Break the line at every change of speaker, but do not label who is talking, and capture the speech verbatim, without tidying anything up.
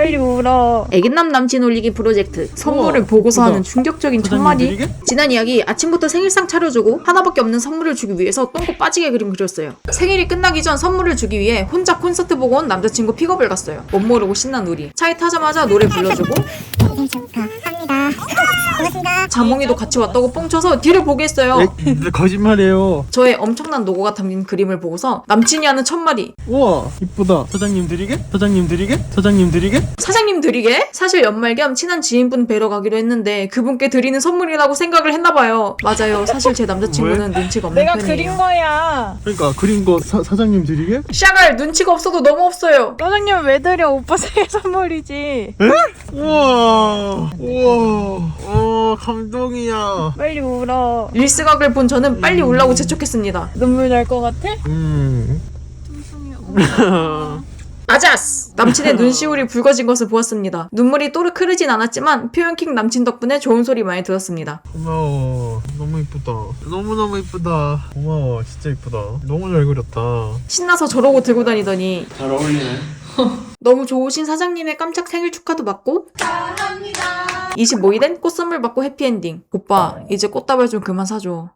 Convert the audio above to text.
빨리 울어.
애견남 남친 올리기 프로젝트. 선물을
우와,
보고서
예쁘다.
하는 충격적인
사장님
첫마디.
드리게?
지난 이야기 아침부터 생일상 차려주고 하나밖에 없는 선물을 주기 위해서 똥꼬 빠지게 그림 그렸어요. 생일이 끝나기 전 선물을 주기 위해 혼자 콘서트 보고 온 남자친구 픽업을 갔어요. 못 모르고 신난 우리. 차에 타자마자 노래 불러주고
생일 축하합니다. 고맙습니다.
자몽이도 같이 왔다고 뻥쳐서 뒤를 보게 했어요.
에, 거짓말이에요.
저의 엄청난 노고가 담긴 그림을 보고서 남친이 하는 첫마디.
우와 이쁘다. 사장님 드리게? 사장님 드리게? 사장님 드리게?
사장님 드리게? 사실 연말 겸 친한 지인분 뵈러 가기로 했는데 그분께 드리는 선물이라고 생각을 했나봐요. 맞아요. 사실 제 남자친구는 눈치가 없는
내가
편이에요.
그린 거야.
그러니까 그린 거 사, 사장님 드리게?
샤갈 눈치가 없어도 너무 없어요.
사장님 왜 드려? 오빠 생일 선물이지.
우와 우와 어 감동이야.
빨리 울어.
릴스각을 본 저는 빨리 울라고 재촉했습니다.
눈물 날 것 같아?
음
아자스! 남친의 눈시울이 붉어진 것을 보았습니다. 눈물이 또르 흐르진 않았지만 표현킹 남친 덕분에 좋은 소리 많이 들었습니다.
고마워. 너무 이쁘다. 너무너무 이쁘다. 고마워. 진짜 이쁘다. 너무 잘 그렸다.
신나서 저러고 들고 다니더니
잘 어울리네.
너무 좋으신 사장님의 깜짝 생일 축하도 받고 이십오 일엔 꽃선물 받고 해피엔딩. 오빠 이제 꽃다발 좀 그만 사줘.